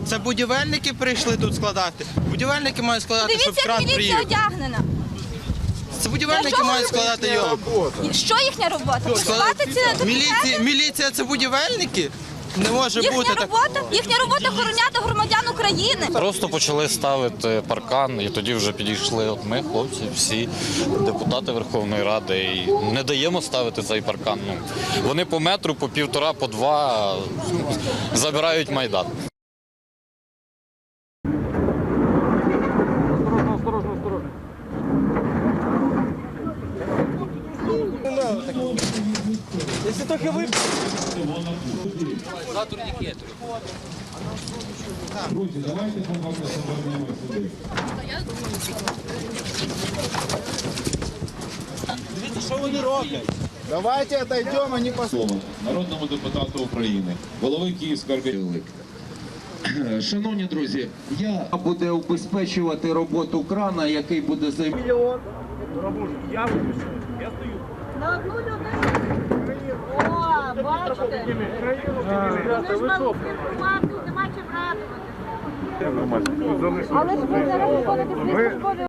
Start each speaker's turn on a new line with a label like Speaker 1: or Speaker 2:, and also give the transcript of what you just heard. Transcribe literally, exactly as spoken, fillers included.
Speaker 1: Це будівельники прийшли тут складати. Будівельники мають складати,
Speaker 2: Дивіться,
Speaker 1: щоб кран
Speaker 2: як міліція
Speaker 1: приїхав.
Speaker 2: одягнена.
Speaker 1: Це будівельники мають складати його.
Speaker 2: Що їхня робота? Складати ці
Speaker 1: Міліція, міліція це будівельники? Не може
Speaker 2: Їхня
Speaker 1: бути так.
Speaker 2: робота, їхня робота охороняти громадян України.
Speaker 3: Просто почали ставити паркан, і тоді вже підійшли от ми, хлопці, всі депутати Верховної Ради, і не даємо ставити цей паркан. Ну, вони по метру, по півтора, по два забирають Майдан.
Speaker 4: Осторожно, осторожно, осторожно.
Speaker 1: Якщо трохи ви...
Speaker 5: Друзі, давайте повернемося сюди.
Speaker 1: Дивіться, що вони роблять.
Speaker 6: Давайте отойдем, а не по
Speaker 5: Слово народному депутату України, голови Київської організації. Шановні друзі, я
Speaker 7: буде убезпечувати роботу крана, який буде займати.
Speaker 4: Мільйон. Я виключаю. Я стою.
Speaker 2: На одну людину. О, бачите? Ми ж мали інформацію, нема чим радувати.
Speaker 4: Нормально.
Speaker 2: Але ж ви зараз виходите з